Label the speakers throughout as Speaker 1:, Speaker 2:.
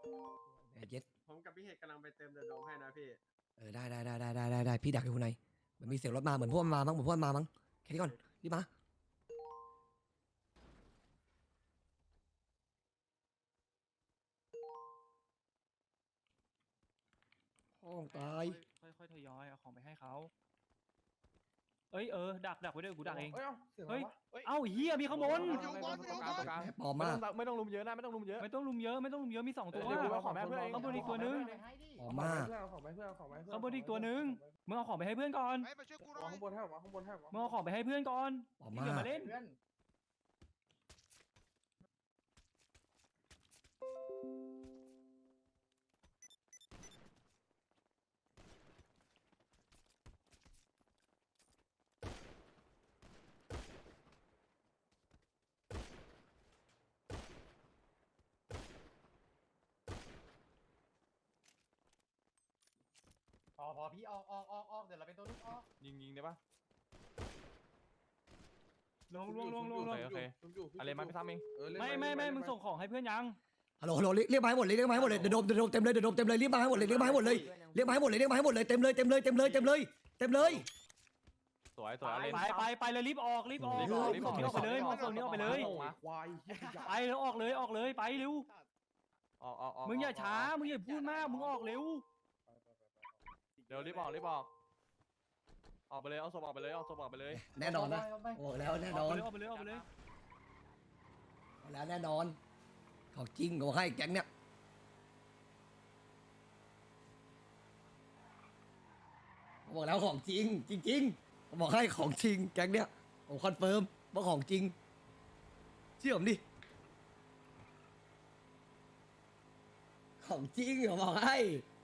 Speaker 1: เย็ด
Speaker 2: ผมกับพี่เฮกกำลังไปเติมเดอะโดมให้นะพี่
Speaker 1: ได้พี่ดักอยู่ข้างในเหมือนมีเสียงรถมาเหมือนพวกมันมามั้งเหมือนพวกมันมามั้งแค่นี้ก่อนรีบมาห้องตาย
Speaker 3: ค่อยๆทยอยเอาของไปให้เขาดักไว้ด้วยกูดักเอง
Speaker 4: เฮ้ย
Speaker 3: เอ้าเฮียมีข้างบน
Speaker 1: ปลอมมาก
Speaker 4: ไม่ต้องลุมเยอะนะไม่ต้องลุมเยอะ
Speaker 3: ไม่ต้องลุมเยอะมี2ตัว
Speaker 4: เดี๋ยวกูเอาของแม่เพื่อนเอง
Speaker 3: ข้างบนอีกตัวนึง
Speaker 1: ปลอมมาก
Speaker 4: เอาของไปเพื่อนเอาของไปเพื่อน
Speaker 3: ข้างบนอีกตัวนึงมึงเอาของไปให้เพื่อนก่อน
Speaker 5: มาช่วยกูหน่
Speaker 4: เอา
Speaker 5: อย
Speaker 4: ข้างบนให้เอาข้างบนให้
Speaker 3: มึงเอาของไปให้เพื่อนก่อน
Speaker 1: ปลอม
Speaker 3: ที่
Speaker 1: มา
Speaker 3: อย่าก มาเล่น
Speaker 6: พอพี่ออกเดี๋ยวเราเป็นตัวนึงออก
Speaker 4: ยิงได้ปะ
Speaker 3: ลง
Speaker 4: โอเคอะไรมาไปทำเอง
Speaker 3: ไม่มึงส่งของให้เพื่อนยัง
Speaker 1: ฮัลโหลเรียกมาให้หมดเลยเรียกมาให้หมดเลยเดี๋ยวโดมเต็มเลยเดี๋ยวโดมเต็มเลยรีบมาให้หมดเลยเรียกมาให้หมดเลยเรียกมาให้หมดเลยเรียกมาให้หมดเลยเต็มเลย
Speaker 4: สวยอะไร
Speaker 3: ไปเลยรีบออกส่งนี้ออกไปเลยส่งนี้ออกไปเลย
Speaker 4: ควาย
Speaker 3: ไปแล้วออกเลยไปเร็ว
Speaker 4: ออก
Speaker 3: มึงอย่าช้ามึงอย่าพูดมากมึงออกเร็ว
Speaker 4: เดี๋ยวรีบออกออกไปเลยเอาศพออกไปเลย
Speaker 1: แน่นอนนะบอกแล้วแน่นอน
Speaker 3: ออกไปเลย
Speaker 1: บอกแล้วแน่นอนของจริงของให้แก๊งเนี้ยบอกแล้วของจริงจริงบอกให้ของจริงแก๊งเนี้ยผมคอนเฟิร์มว่าของจริงเชื่อผมดิของจริงผมบอกให้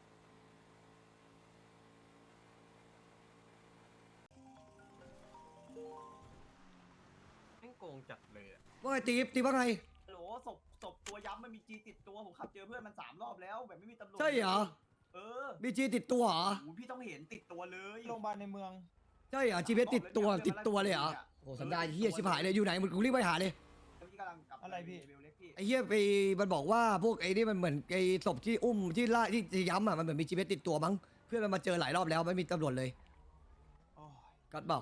Speaker 1: ว่าไงตีว่าไง
Speaker 6: โหลศพตัวย้ำมันมีจีติดตัวผมขับเจอเพื่อนมัน3 รอบแล้วแบบไม่มีตำรวจ
Speaker 1: ใช่เหรอ
Speaker 6: เออ
Speaker 1: มีจีติดตัวเหรอ
Speaker 6: โอ้พี่ต้องเห็นติดตัวเลย
Speaker 7: โรงพยาบาลในเมือง
Speaker 1: ใช่เหรอจีเติดตัวเลยเหรอโอ้สัญญาเฮียชิบหายเลยอยู่ไหนมึงรีบไปหาเลย
Speaker 6: พี่กำลังกลับ
Speaker 7: อะไรพี่
Speaker 6: เบลเล็กพี่
Speaker 1: ไอ้เฮียไปมันบอกว่าพวกไอ้นี่มันเหมือนไอ้ศพที่อุ้มที่ล่าที่ย้ำอ่ะมันเหมือนมีจีเติดตัวมั้งเพื่อนมันมาเจอหลายรอบแล้วไม่มีตำรวจเลย
Speaker 7: โอ้ย
Speaker 1: ก็บอก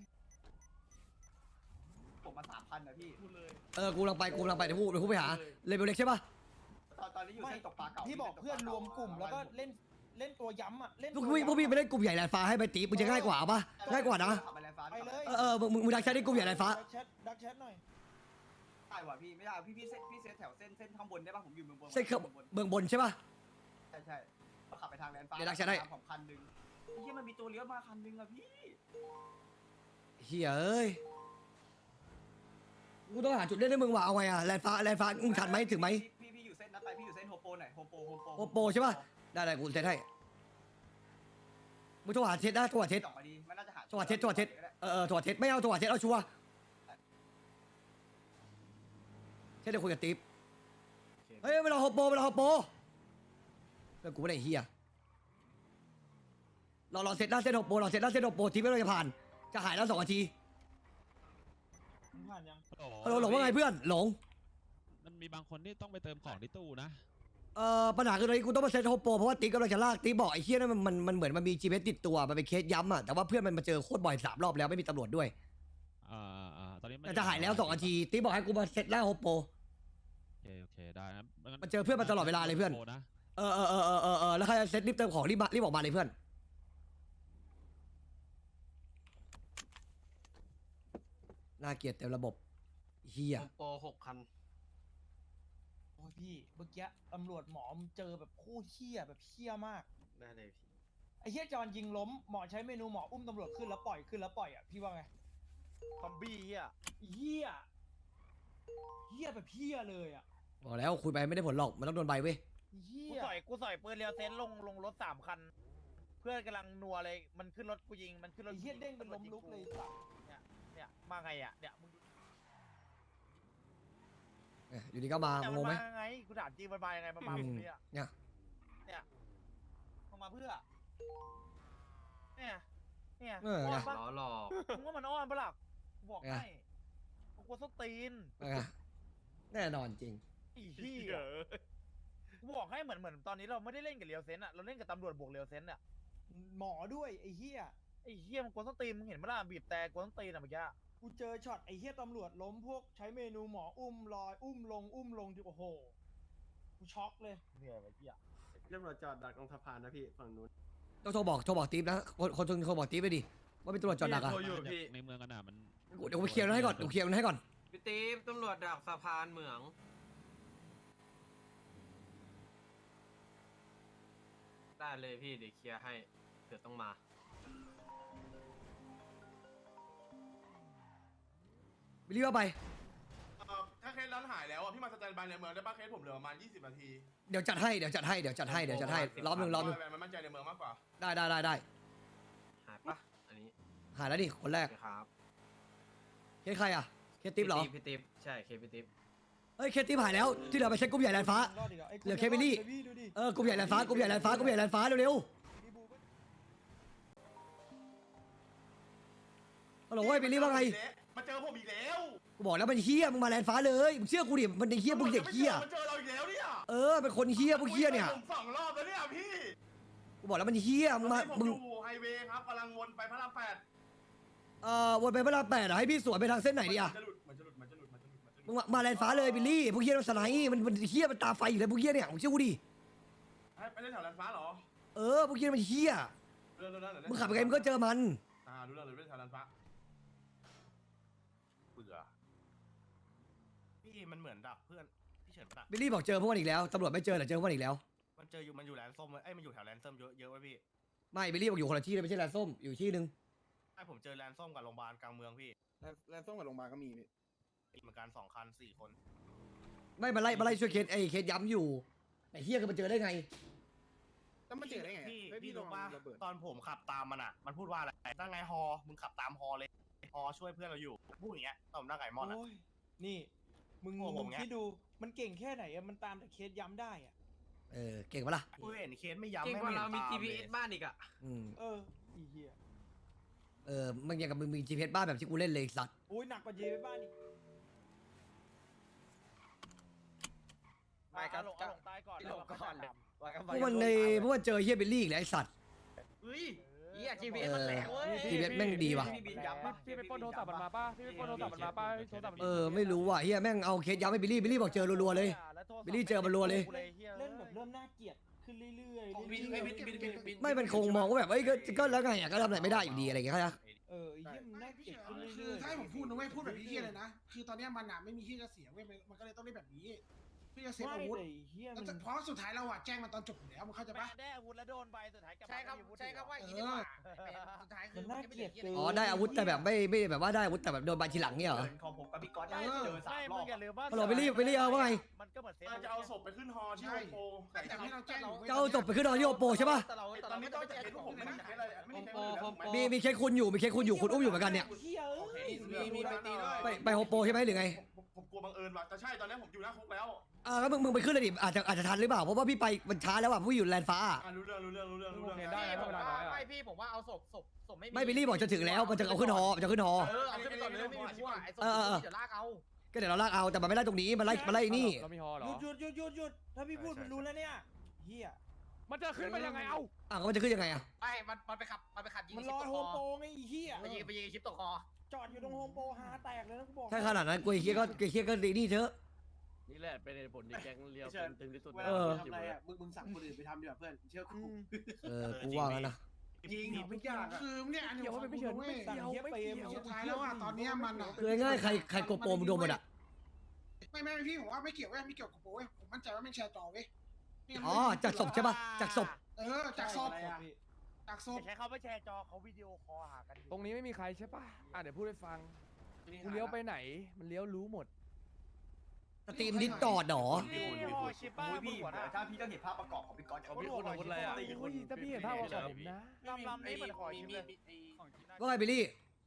Speaker 6: ผมมา3,000นะพี่พูดเลย
Speaker 1: กูกำลังไปเดี๋ยวพูดไปหาเลเวลเล็กใช่ปะ
Speaker 6: ตอนนี้อยู่เส้นตกปลาเก่า
Speaker 7: ที่บอกเพื่อนรวมกลุ่มแล้วก็เล่นตัวย้ำอ่ะเล่น
Speaker 1: พวกพี่ไปเล่นกลุ่มใหญ่แลนฟ้าให้ไปตีมึงจะง่ายกว่าปะง่ายกว่านะ
Speaker 6: ขับไปแลนฟ้า
Speaker 7: ไปเลย
Speaker 1: มึงดักแชทที่กลุ่มใหญ่แลนฟ้า
Speaker 7: ดักแชทหน่อย
Speaker 6: ได้ว่ะพี่ไม่ได้พี่เซตแถวเส้นข้างบนได้ป่ะผมอยู่เมืองบน
Speaker 1: เส้นเมืองบนใช่ปะ
Speaker 6: ใช่ขับไปทางแลนฟ้า
Speaker 1: เดี๋ยวดักแชทให้
Speaker 6: ของคันนึงที่มันมีตัวเลี้ยวมาคันนึงอะพี่
Speaker 1: เฮียเอ้ยกูต้องหาจุดเล่นให้มึงว่ะเอาไงอะแลนฟ้ามึงทันไหมถึงไหม
Speaker 6: พี่อยู่เส้นนั้นไปพี่อยู่เส้นโฮโปหน่อยโฮโป
Speaker 1: โอโปใช่ปะได้กูเซตให้มึงโทรหาเทสได้โทรหาเทส
Speaker 6: ส่งมาดีมันน่าจะหา
Speaker 1: โทรหาเทสโทรหาเทสโทรหาเทสไม่เอาโทรหาเทสเอาชัวร์แค่เดี๋ยวคุยกับติ๊บเฮ้ยไม่รอฮอปโปเพื่อนกูไม่ได้เฮียรอเซตหน้าเซตฮอปโปทีไม่เราจะผ่านจะหายแล้ว2 นาที
Speaker 7: มึงผ่านยัง
Speaker 1: หลงว่าไงเพื่อนหลง
Speaker 8: มันมีบางคนที่ต้องไปเติมของที่ตู้นะ
Speaker 1: ปัญหาคือตอนนี้กูต้องมาเซตฮอปโปเพราะว่าติ๊กกำลังจะลากติ๊กบอกไอ้เฮียนั่นมันเหมือนมันมี GPS ติดตัวมันเป็นเคสย้ำอ่ะแต่ว่าเพื่อนมันมาเจอโคตรบ่อย3 รอบแล้วไม่มีตำรวจด้วย
Speaker 8: ตอนนี้
Speaker 1: แต่จะหายแล้ว2 นาทีติ๊กบอกให้กูมาเซตหน้าฮอปโป
Speaker 8: โอเคได้นะ
Speaker 1: มันเจอเพื่อนมาตลอดเวลาเลยเพื่อน
Speaker 8: นะ
Speaker 1: แล้วใครจะเซตรีบเติมของรีบออกมาเลยเพื่อนน่าเกลียดเต็มระบบเฮีย
Speaker 2: โปร6 คัน
Speaker 7: โอ้ยพี่เมื่อกี้ตำรวจหมอมเจอแบบคู่เหี้ยแบบเหี้ยมาก
Speaker 2: ได้เลยพี่
Speaker 7: ไอ้เหี้ยจอนยิงล้มหมอใช้เมนูหมออุ้มตำรวจขึ้นแล้วปล่อยอ่ะพี่ว่าไง
Speaker 6: ซอมบี้เฮีย
Speaker 7: เหี้ยแบบเหี้ยเลยอ่ะ
Speaker 1: บอกแล้วคุยไปไม่ได้ผลหรอกมันต้องโดนใบเว้ย
Speaker 7: เหี้
Speaker 9: กู
Speaker 7: ย
Speaker 9: กูสอยปืนเรียวเซนลงรถ3 คัน เพื่อนกำลังนัวเลยมันขึ้นรถกูยิงมันขึ้นรถ
Speaker 7: ไอ้เหี้ยเด้งเป็นล้มลุกเลยสัส
Speaker 9: เนี่ยมาไงอ่ะเนี่ยมึง
Speaker 1: อยู่ดีก็มางงไหม
Speaker 9: มาไงกูถามจริงมันมายังไงมันมาผมเนี่ย
Speaker 1: เนี่ย
Speaker 9: มันมาเพื่อเนี่ย
Speaker 1: เออ
Speaker 9: อ้อน
Speaker 1: ไง
Speaker 9: ปะ
Speaker 2: หลอก
Speaker 9: มึงว่ามันอ้อนปะล่ะกูบอกให้กูกลัวส้นตีน
Speaker 1: แน่นอนจริง
Speaker 9: อีเหี้ยกูบอกให้เหมือนตอนนี้เราไม่ได้เล่นกับเรียวเซนอะเราเล่นกับตำรวจบวกเรียวเซนอะ
Speaker 7: หมอด้วยไอ้เหี้ย
Speaker 9: ไอ้เหี้ยมันกวนส้นตีนมึงเห็นไหมล่ะบีบแต่กวนส้นตีนอะเมื่อกี้
Speaker 7: กูเจอช็อตไอ้เหี้ยตำรวจล้มพวกใช้เมนูหมออุ้มลอยอุ้มลงที่โอ้โหกูช็อกเลย
Speaker 9: เหนื่อยไอ้เหี้ย
Speaker 2: ตำรวจจอดดักตรงสะพานนะพี่ฝั่งนู้น
Speaker 1: ต้องโทรบอกติ๊บนะคนโทรบอกติ๊บไปดิว่าเป็นตำรวจจอดดักอะ
Speaker 8: ในเมืองกันมัน
Speaker 1: เดี๋ยวกูเคลียร์มันให้ก่อนกูเคลียร์มันให้ก่อน
Speaker 5: พี่ตีฟตำรวจดักสะพานเหมือง ได้เลยพี่เดี๋ยวเคลียร์ให้เดี๋ยวต้องมา
Speaker 1: วิลลี่ว่าไป
Speaker 10: ถ้าเคสร้านหายแล้วอ่ะพี่มาสแตนบายในเมืองได้ป่ะเคสผมเหลือประมาณ20 นาที
Speaker 1: เดี๋ยวจัดให้ล้อมหนึ่ง
Speaker 10: มันมั่นใจในเมืองมากกว่า
Speaker 1: ได้
Speaker 5: หายปะอันนี้
Speaker 1: หายแล้วดิคนแรก
Speaker 5: โอเคครับ
Speaker 1: เคสใครอะเคสติ๊บเหรอ
Speaker 5: พี่ติ๊บใช่เคพี่ติ๊บ
Speaker 1: เฮ้ยเคสติ๊บหายแล้วที่เหลือไปเช็คกลุ่มใหญ่แลนฟ้า
Speaker 7: รอดอีกไอ้
Speaker 1: เหลือแค่วิลลี่
Speaker 7: ดูดิ
Speaker 1: กลุ่มใหญ่แลนฟ้ากลุ่มใหญ่แลนฟ้เร็วฮัลโหลเว้ยวิลลี่ว่าไง
Speaker 10: มาเจอผมอีกแล้ว
Speaker 1: กูบอกแล้วมันเฮี้ยมึงมาแลนฟ้าเลยมึงเชื่อกูดิมันเฮี้ยมึงเด็กเฮี้ย
Speaker 10: มาเจอเราอีกแล้วเนี่ย
Speaker 1: เป็นคนเฮี้ยพวกเฮี้ยเนี่ย
Speaker 10: ผม2 รอบแล้วเนี่ยพี่
Speaker 1: กูบอกแล้วมันเฮี้ยมึงมา
Speaker 10: ผม
Speaker 1: มึง
Speaker 10: อยู่ไฮเวย์ครับกำลังวนไปพระราม8
Speaker 1: วนไปพระราม8อะให้พี่สวนไปทางเส้นไหนดีอะ
Speaker 10: มันจะหลุด
Speaker 1: มึงมาแลนฟ้าเลยบิลลี่พวกเฮี้ยมันสไนด์มันเฮี้ยมันตาไฟอยู่เลยพวกเฮี้ยเนี่ยมึงเชื่อกูดิ
Speaker 10: ไปเล่นแถวแลนฟ้าเหรอ
Speaker 1: พวกเฮี้ยมันเฮี้ย
Speaker 10: เรื่อง
Speaker 1: มึงขับไปไงมึงก็เจอมัน
Speaker 10: รู้เรื่องเลยเล่นแถวแลนฟ้าเบื่อ
Speaker 11: พี่มันเหมือนดักเพื่อนพี่เฉินดัก
Speaker 1: บิลลี่บอกเจอพวกมันอีกแล้วตำรวจไม่เจอแต่เจอพวกมันอีกแล้ว
Speaker 11: มันอยู่แลนด์ส้มมันอยู่แถวแลนด์ส้มเยอะไว้พี่
Speaker 1: ไม่บิลลี่บอกอยู่คนละที่เลยไม่ใช่แลนส้มอยู่ที่นึง
Speaker 11: ผมเจอแลนด์ส้มกับโรงพยาบาลกลางเมืองพี่
Speaker 10: แลนส้มกับโรงพยาบาลก็มี
Speaker 11: เหมือนกัน2 คัน 4 คน
Speaker 1: ไม่มาไล่ช่วยเคสย้ำอยู่ไอ้เฮี้ยคือมันเจอได้ไง
Speaker 10: แล้วมันเจอได้ไง
Speaker 11: พี่รู้ป่ะตอนผมขับตามมันอ่ะมันพูดว่าอะไรตั้งไงฮอมึงขับตามฮอเลยฮอช่วยเพื่อนเราอยู่พูดอย่างเงี้ยตอนนั่งไก่มอนอ่ะ
Speaker 7: โอ้ยนี่มึง
Speaker 11: โอ้โห
Speaker 7: มึงคิดดูมันเก่งแค่ไหนอะมันตามแต่เคสย้ำได้อะ
Speaker 1: เก่งปะล่ะ
Speaker 11: กูเห็นเคสไม่ย้ำ
Speaker 5: เก่ง
Speaker 11: ไม่
Speaker 5: กว่าเรามี
Speaker 11: ต
Speaker 5: GPS บ้านอีกอะ
Speaker 7: อีเหี้ย
Speaker 1: มันอย่างกับมึงมีGPSบ้านแบบที่กูเล่นเลยสัตว์
Speaker 7: โอ้ยหนักกว่าเยไปบ้านอีก
Speaker 9: ไม่ก็หลงตายก่อน
Speaker 5: หลงก่อนเลย
Speaker 1: พวกมันเจอเฮี้ยบิลลี่อีกแล้วไอ้สัตว์
Speaker 5: เฮ้ยเฮีย GPS มันแหลกเว้ย
Speaker 1: GPS แม่งดีว่ะ
Speaker 6: พี่บินย้ำปะ
Speaker 4: พี่ไปปล้นโทรศัพท์มันมาป่ะพี่ไปปล้นโทรศัพท์มันมาป่ะโทรศัพท์มัน
Speaker 1: ไม่รู้ว่ะเฮี้ยแม่งเอาเคสย้ำให้บิลลี่บอกเจอรัวๆเลย บิลลี่เจอมันรัวเลย
Speaker 7: เล่นแบบเริ่มน่าเกลียดขึ้นเรื่อยๆ
Speaker 6: บิน
Speaker 7: เรื่อย
Speaker 6: บิน
Speaker 1: ไม่มันคงมองว่าแบบก็แล้วไงก็ทำอะไรไม่ได้อยู่ดีอะไรอย่างเงี้ยนะ
Speaker 7: ไอ้เหี้ยมันน่าเกลียดขึ้น
Speaker 10: คื
Speaker 7: เรื่
Speaker 10: อ
Speaker 7: อยๆ
Speaker 10: ถ้าให้ผมพูดนะเว้ยพูดแบบพี่เฮียเลยนะคือตอนนี้มันอ่ะไม่มีที่จะเสียเว้ยมันก็เลยต้องเล่นแบบนี้พี่จะเซฟ
Speaker 7: ไม่
Speaker 10: อาวุธ
Speaker 7: แต่ไอ้เหี้ยมัน
Speaker 10: เพราะสุดท้ายเราอะแจ้งมันตอนจบอยู่แล้วมึงเข้าใจ
Speaker 9: แม่
Speaker 10: ปะ
Speaker 9: ได้อาวุธแล้วโดนไปสุดท้ายกลับ
Speaker 6: ใช่ครับ
Speaker 9: ไม่มีอาวุธ
Speaker 6: ใช่ครับว่า
Speaker 9: อี
Speaker 6: อี
Speaker 9: ก
Speaker 6: ก
Speaker 9: เหรอ
Speaker 6: สุดท้ายคือ
Speaker 7: มันน่าเกลียดเกิน
Speaker 1: อ๋อได้อาวุธแต่แบบไม่แบบว่าได้อาวุธแต่แบบโดนใบทีหลังเนี่ยเหรอ
Speaker 6: ของผมกับพี่ก๊อตเจอ
Speaker 9: ไม่
Speaker 6: 3 ร
Speaker 9: มึ
Speaker 6: อง บ
Speaker 9: อย่าลืมว่า
Speaker 1: ฮัลโหลบิลลี่เอาว่าไง
Speaker 9: มันก็เหมือนเซฟ
Speaker 10: จะเอาศพไปขึ้นฮอที่โฮโปแต่ให้เราแจ้งอยู่
Speaker 1: จะเอาศพไปขึ้นนอนที่โอโปใช่ปะ
Speaker 6: แต่เรา
Speaker 10: ตอนนี้ต้อง
Speaker 6: ไม่
Speaker 10: จะ
Speaker 6: ได้
Speaker 10: เห็น
Speaker 6: พวก
Speaker 10: ผ
Speaker 6: ผม ม
Speaker 10: ไม่
Speaker 6: นะ
Speaker 10: ได้อะไรไม่ได้
Speaker 1: มีเคสคุณอยู่คุณอุ้มอยู่เหมือนกันเนี่ย
Speaker 7: เหี้ยเอ้ย
Speaker 6: มีไปตีด้วย
Speaker 1: ไปโฮโปใช่ไหมหรือไง
Speaker 10: ผมกลัวบังเอิญว่ะแต่ใช่ตอนนี้ผมอยู่หน้าคุกแล้ว
Speaker 1: ก็มึงไปขึ้นเลยดิอาจจะทันหรือเปล่าเพราะว่าพี่ไปมันช้าแล้วอ่ะพี่อยู่แลนฟ้า
Speaker 10: รู้เรื่อง
Speaker 4: ได้นะเวลาน้อยอ่ะ
Speaker 6: ไม่พี่ผมว่าเอาศพ
Speaker 1: ไม่บิลลี่บอกจะถึงแล้วมันจะเอาขึ้นฮอเอาขึ้นฮอ
Speaker 6: เอาขึ้นไปก่อนเลยไม่มีพวกไอ้ศพเดี๋ยวลากเอา
Speaker 1: ก็เดี๋ยวเราลากเอาแต่มันไม่ไล่ตรงนี้มันไล่นี่
Speaker 4: เรามีฮอเหรอ
Speaker 7: หยุดถ้าพี่พูดมันรู้แล้วเนี่ยเหี้ย
Speaker 4: มันจะขึ้นไปยังไงเอ้า
Speaker 1: ก็มันจะขึ้นยังไงอ่ะ
Speaker 6: ไอ้มันไปขับยิง
Speaker 7: มัน
Speaker 6: ชิ
Speaker 7: ร
Speaker 6: ป
Speaker 7: อ
Speaker 6: ตก
Speaker 7: โฮ
Speaker 6: ค
Speaker 7: มโปร
Speaker 6: อ
Speaker 7: ไงไอ้เหี้ย
Speaker 6: ไปยิงชิปตกคอ
Speaker 7: จอดอยู่ตรงโฮมโปรหาแตกเลยนะกูบอก
Speaker 1: ถ้าขนาดนั้นกูเคียก็ดีนี่เถอะ
Speaker 4: นี่แหละเป็นผลที่แก๊งเลียวตึงที่สุด
Speaker 6: ทำอะไรอ่ะมึงสั่งคนอื่นไปทำดีกว่าเพื่อนเชื่อกู
Speaker 1: กูว่างั้นนะ
Speaker 6: จริงทุกอย่าง
Speaker 10: คือเนี่ยอันนี้ผมไม่เชื่อ
Speaker 7: สั่งเหี้ยเปรม
Speaker 10: สุดท้ายแล้วอ่ะตอนนี้มันอ่ะ
Speaker 1: คือง่ายใครโกโปรมึงโดนหมดอ่ะ
Speaker 10: ไม่พี่ผมว่าไม่เกี่ยวไม่เกี่ยวกับโป้ผมมั่นใจว่าไม่แชร์ต่อเว้ย
Speaker 1: จากศพใช่ปะจากศพ
Speaker 10: จากศพ
Speaker 9: ใช้เขาไปแชร์จอเขาวิดีโอคอลหากัน
Speaker 4: ตรงนี้ไม่มีใครใช่ปะเดี๋ยวพูดให้ฟังกูเลี้ยวไปไหนมันเลี้ยวรู้หมด
Speaker 1: สตรีมดิสจอดหรอ
Speaker 9: นี่ฮอชิป้า
Speaker 6: พี่
Speaker 9: หัวหน้า
Speaker 6: ถ้าพี่ก็เห็นภาพประกอบของพี่ก๊อต
Speaker 4: พี่คุณอาวุธอะไรอ่ะถ้าพี่เห็นภาพว่าผมนะ
Speaker 9: ลำนี้เหมือนหอชิปเลย
Speaker 1: ว่าไงบิลลี่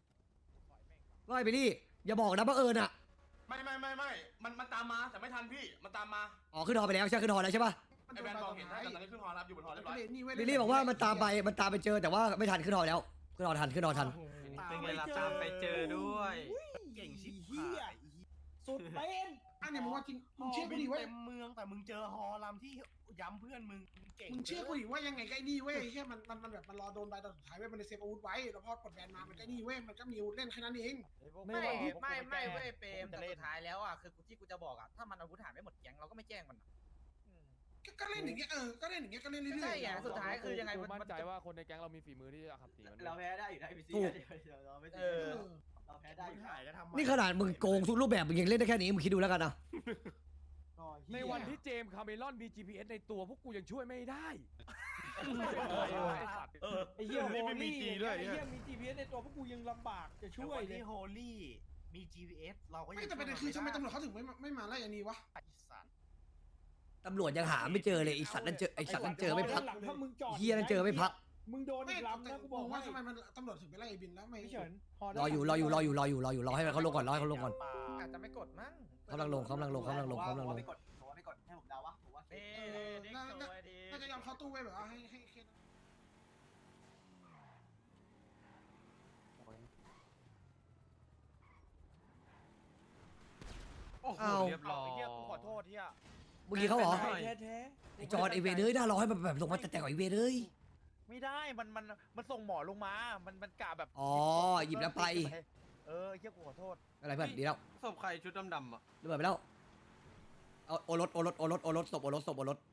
Speaker 1: อย่าบอกนะบังเอิญอ่ะ
Speaker 10: ไม่มันตามมาแต่ไม่ทันพี่มันตามมา
Speaker 1: ขึ้นฮอไปแล้วใช่ขึ้นฮอแล้วใช่ปะ
Speaker 10: ไอแบนบอกเห็นแต่ตอนนี้ขึ้นฮอรับอยู่บนฮอเรียบร้อย
Speaker 1: บิลลี่บอกว่ามันตามไปเจอแต่ว่าไม่ทันขึ้นฮอแล้วขึ้นฮอทัน
Speaker 5: เป็นไงล่ะตามไปเจอด้วย
Speaker 7: เก่งชิบเหี้ยสุดเป็น
Speaker 10: อันเนี้ยมึงว่าจริงมึง
Speaker 11: ฮ
Speaker 10: เชื่อ
Speaker 11: อ
Speaker 10: กู
Speaker 11: บิน
Speaker 10: ดิเว้ย
Speaker 11: เต็มเมืองแต่มึงเจอฮอลำที่ย้ำเพื่อนมึงเก่ง
Speaker 10: มึงเชื่อกูดิว่ายังไงใกล้นี่เว้ยแค่มันแบบมันรอโดนใบตอนสุดท้ายเว้ยมันเลยเซฟอาวุธไว้แล้วพอกดแบนมามันใกล้นี่เว้ยมันก็มีอาวุธเล่นแค่นั้นเอง
Speaker 9: ไม่เว้ยเปรมแต่สุดท้ายแล้วอ่ะคือที่กูจะบอกอ่ะถ้ามันอาวุธหายไม่หมดแก๊งเราก็ไม่แจ้งมัน
Speaker 10: ก็เล่นอย่างเงี้ยก็เล่นอย่างเงี้ยก็เล่นเรื่อยๆ
Speaker 9: ใช่ไงสุดท้ายคือยังไง
Speaker 4: กูมั่นใจว่าคนในแก๊งเรามีฝีมือที่จะขับตีมัน
Speaker 6: เราแพ้ได้อยู่นะพีซีเราไม่
Speaker 9: เอ
Speaker 6: ซี
Speaker 9: อ
Speaker 6: เราแพ้ได้
Speaker 11: มึ
Speaker 6: อง ยู่
Speaker 11: หายจะทำไม
Speaker 1: นี่ขนาดมึงโกงทุกรูปแบบมึงยังเล่นได้แค่นี้มึงคิดดูแล้วกันนะ
Speaker 4: ในวันที่เจมส์คาเมรอนมี GPS ในตัวพวกกูยังช่วยไม่ได้
Speaker 3: ไอ้เหี้ยโฮ
Speaker 11: ไม่มี
Speaker 3: ลี่
Speaker 11: จีด้วย
Speaker 3: ไอ้เหี้ยมี GPS ในตัวพวกกูยังลำบากจะช่วย
Speaker 11: วัน
Speaker 3: เลย
Speaker 11: ที่โฮลี่มี GPS เราก็ยัง
Speaker 10: ไม่แต่ประเด็นคือทำไมตำรวจเขาถึงไม่มาไล่อันนี้วะ
Speaker 11: ไอ้สัตว์
Speaker 1: ตำรวจยังหาไม่เจอเลยไอสัตว์นั่นเจอไอสัตว์นั่นเจอไม่พัก
Speaker 3: หลังถ้ามึงจอด
Speaker 1: เฮียนั่นเจอไม่พัก
Speaker 3: มึงโดน
Speaker 10: ไม่
Speaker 3: อีกลำนะกูบอก
Speaker 10: ว่า
Speaker 3: ให้
Speaker 10: ทำไมมันตำรวจถึงไปไล่ไอ้บินแล้วไม่
Speaker 3: พี่เฉินพอได้
Speaker 1: รออยู่รอให้เขาลงก่อนรอให้เขาลงก่อน
Speaker 9: อาจจะไม่กดมั้ง
Speaker 1: กำลังลง
Speaker 6: ผมว่าไม่กดให้ผมเดาวะผมว่า
Speaker 10: น่าจะยอมเข้าตู้ไว้แบบว่าให้เคส
Speaker 4: โอ้โห
Speaker 1: เอา
Speaker 4: เรียบร้อย
Speaker 9: ไอ้เหี้ยกูขอโทษที่
Speaker 1: เมื่อกี้เขาเหรอ
Speaker 3: แท้
Speaker 1: ไอจอนไอเวเดอร์น่ารอให้มันแบบลงมาแต่ก่อนไอเวเดอร์
Speaker 9: ไม่ได้มันส่งหมอลงมามันกะแบบ
Speaker 1: อ๋อหยิบแล้วไป
Speaker 9: เออไอ้เหี้ยกูขอโทษ
Speaker 1: อะไรเพื่อนดีแล้ว
Speaker 4: ศพใครชุดดำๆอ่ะ
Speaker 1: ระเบิดไปแล้วเอาโอรสศพโอรส